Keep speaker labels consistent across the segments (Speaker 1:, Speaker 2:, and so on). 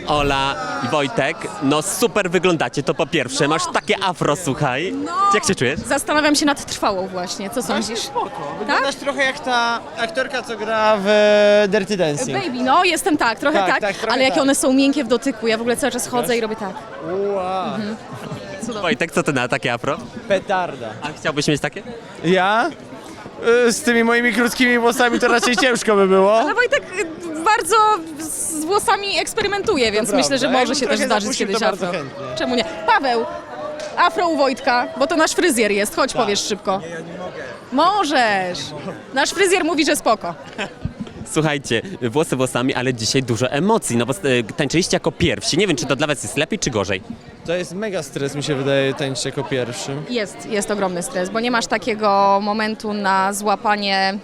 Speaker 1: Ola i Wojtek, no super wyglądacie, to po pierwsze. Masz takie afro, słuchaj. Jak się czujesz?
Speaker 2: Zastanawiam się nad trwałą właśnie, co sądzisz?
Speaker 3: Wyglądasz trochę jak ta aktorka, co gra w Dirty Dancing.
Speaker 2: Baby, no jestem tak, trochę
Speaker 3: Tak,
Speaker 2: tak,
Speaker 3: tak, trochę
Speaker 2: ale jakie
Speaker 3: tak.
Speaker 2: one są miękkie w dotyku, ja w ogóle cały czas chodzę i robię tak.
Speaker 3: Wow.
Speaker 1: Wojtek, co ty na takie afro?
Speaker 3: Petarda.
Speaker 1: A chciałbyś mieć takie?
Speaker 3: Ja? Z tymi moimi krótkimi włosami to raczej ciężko by było.
Speaker 2: Ale Wojtek bardzo z włosami eksperymentuje, więc
Speaker 3: prawda.
Speaker 2: myślę, że
Speaker 3: Jakbym
Speaker 2: może się też
Speaker 3: trochę
Speaker 2: zdarzyć
Speaker 3: zapuścił,
Speaker 2: kiedyś
Speaker 3: to bardzo
Speaker 2: afro.
Speaker 3: chętnie.
Speaker 2: Czemu nie? Paweł, afro u Wojtka, bo to nasz fryzjer jest, chodź powiesz szybko. Nie, ja nie mogę. Możesz. Nasz fryzjer mówi, że spoko.
Speaker 1: Słuchajcie, włosy włosami, ale dzisiaj dużo emocji, no bo tańczyliście jako pierwsi. Nie wiem, czy to dla was jest lepiej, czy gorzej?
Speaker 3: To jest mega stres, mi się wydaje, tańczyć jako pierwszy.
Speaker 2: Jest ogromny stres, bo nie masz takiego momentu na złapanie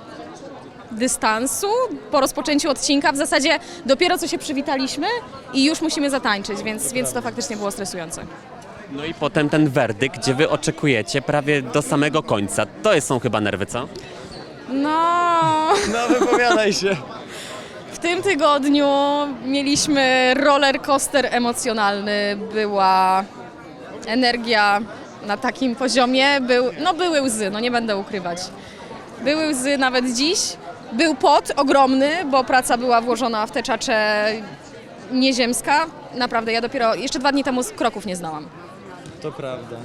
Speaker 2: dystansu po rozpoczęciu odcinka. W zasadzie dopiero co się przywitaliśmy i już musimy zatańczyć, więc to faktycznie było stresujące.
Speaker 1: No i potem ten werdykt, gdzie wy oczekujecie prawie do samego końca. To są chyba nerwy, co?
Speaker 2: No,
Speaker 3: No wypowiadaj się.
Speaker 2: w tym tygodniu mieliśmy roller coaster emocjonalny, była energia na takim poziomie, były łzy, no nie będę ukrywać. Były łzy nawet dziś, był pot ogromny, bo praca była włożona w tę czaczę nieziemska. Naprawdę, ja dopiero jeszcze 2 dni temu kroków nie znałam.
Speaker 3: To prawda.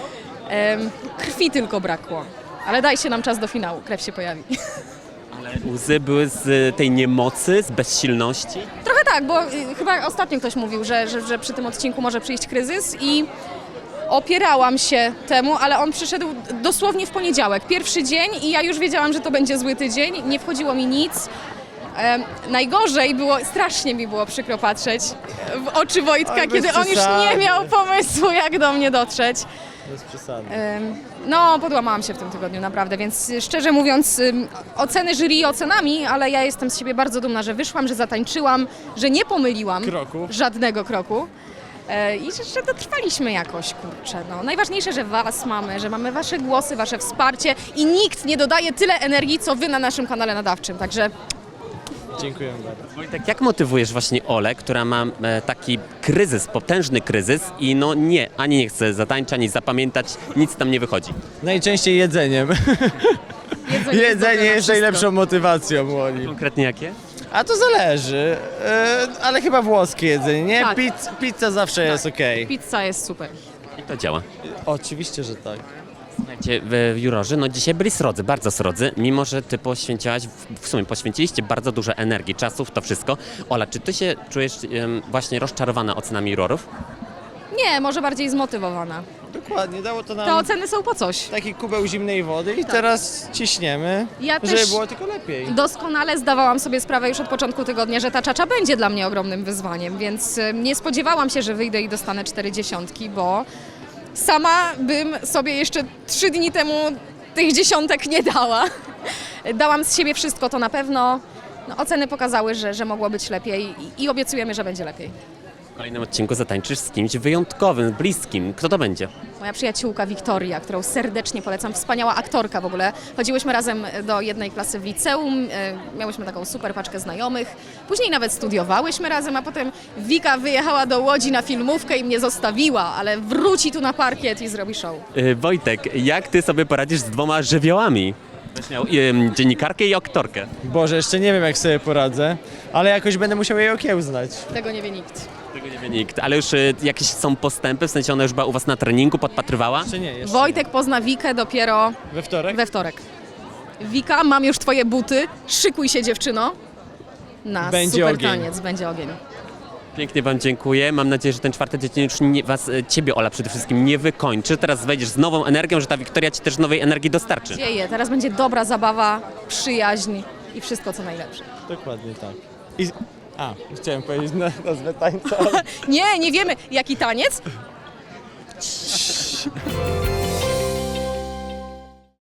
Speaker 2: Krwi tylko brakło, ale dajcie nam czas do finału, krew się pojawi.
Speaker 1: Ale łzy były z tej niemocy, z bezsilności.
Speaker 2: Trochę tak, bo chyba ostatnio ktoś mówił, że przy tym odcinku może przyjść kryzys i opierałam się temu, ale on przyszedł dosłownie w poniedziałek, pierwszy dzień i ja już wiedziałam, że to będzie zły tydzień, nie wchodziło mi nic. Najgorzej było, strasznie mi było przykro patrzeć w oczy Wojtka,
Speaker 3: Oj, bez
Speaker 2: kiedy on już
Speaker 3: przesady.
Speaker 2: nie miał pomysłu, jak do mnie dotrzeć.
Speaker 3: Bez przesady.
Speaker 2: No, podłamałam się w tym tygodniu, naprawdę, więc szczerze mówiąc, oceny jury ocenami, ale ja jestem z siebie bardzo dumna, że wyszłam, że zatańczyłam, że nie pomyliłam
Speaker 3: Kroku.
Speaker 2: żadnego kroku i że dotrwaliśmy jakoś, kurczę. No. Najważniejsze, że was mamy, że mamy wasze głosy, wasze wsparcie i nikt nie dodaje tyle energii, co wy na naszym kanale nadawczym, także
Speaker 3: Dziękuję bardzo.
Speaker 1: Wojtek, jak motywujesz właśnie Olę, która ma taki kryzys, potężny kryzys i no nie, ani nie chce zatańczyć, ani zapamiętać, nic tam nie wychodzi.
Speaker 3: Najczęściej jedzeniem. Jedzenie jest najlepszą motywacją, Młoli.
Speaker 1: Konkretnie jakie?
Speaker 3: A to zależy, ale chyba włoskie jedzenie, nie?
Speaker 2: Tak.
Speaker 3: Pizza zawsze jest okej.
Speaker 2: Pizza jest super.
Speaker 1: I to działa.
Speaker 3: Oczywiście, że tak.
Speaker 1: Słuchajcie, jurorzy, no dzisiaj byli srodzy, bardzo srodzy, mimo że ty poświęciłaś, w sumie poświęciliście bardzo dużo energii, czasu w to wszystko. Ola, czy ty się czujesz właśnie rozczarowana ocenami jurorów?
Speaker 2: Nie, może bardziej zmotywowana.
Speaker 3: Dokładnie, dało to
Speaker 2: Te
Speaker 3: nam
Speaker 2: oceny są po coś.
Speaker 3: taki kubeł zimnej wody i teraz ciśniemy,
Speaker 2: Ja
Speaker 3: żeby
Speaker 2: też
Speaker 3: było tylko lepiej.
Speaker 2: doskonale zdawałam sobie sprawę już od początku tygodnia, że ta czacza będzie dla mnie ogromnym wyzwaniem, więc nie spodziewałam się, że wyjdę i dostanę 40, bo sama bym sobie jeszcze 3 dni temu tych dziesiątek nie dała. Dałam z siebie wszystko, to na pewno. No, oceny pokazały, że mogło być lepiej i obiecujemy, że będzie lepiej.
Speaker 1: W kolejnym odcinku zatańczysz z kimś wyjątkowym, bliskim. Kto to będzie?
Speaker 2: Moja przyjaciółka Wiktoria, którą serdecznie polecam, wspaniała aktorka w ogóle. Chodziłyśmy razem do jednej klasy w liceum, miałyśmy taką super paczkę znajomych. Później nawet studiowałyśmy razem, a potem Wika wyjechała do Łodzi na filmówkę i mnie zostawiła, ale wróci tu na parkiet i zrobi show.
Speaker 1: Wojtek, jak ty sobie poradzisz z 2 żywiołami? Będziesz miał dziennikarkę i aktorkę.
Speaker 3: Boże, jeszcze nie wiem jak sobie poradzę, ale jakoś będę musiał jej okiełznać.
Speaker 2: Tego nie wie nikt.
Speaker 1: Tego nie wie nikt. Ale już jakieś są postępy, w sensie ona już była u was na treningu, podpatrywała?
Speaker 3: Czy nie, jeszcze
Speaker 2: Wojtek pozna Wikę dopiero
Speaker 3: nie. We wtorek?
Speaker 2: we wtorek. Wika, mam już twoje buty, szykuj się dziewczyno. Na
Speaker 3: Będzie
Speaker 2: super
Speaker 3: ogień.
Speaker 2: taniec, będzie ogień.
Speaker 1: Pięknie wam dziękuję. Mam nadzieję, że ten 4. dzień już ciebie, Ola, przede wszystkim nie wykończy. Teraz wejdziesz z nową energią, że ta Wiktoria ci też nowej energii dostarczy.
Speaker 2: Dzieje, teraz będzie dobra zabawa, przyjaźń i wszystko co najlepsze.
Speaker 3: Dokładnie tak. Chciałem powiedzieć nazwę tańca.
Speaker 2: Nie wiemy jaki taniec,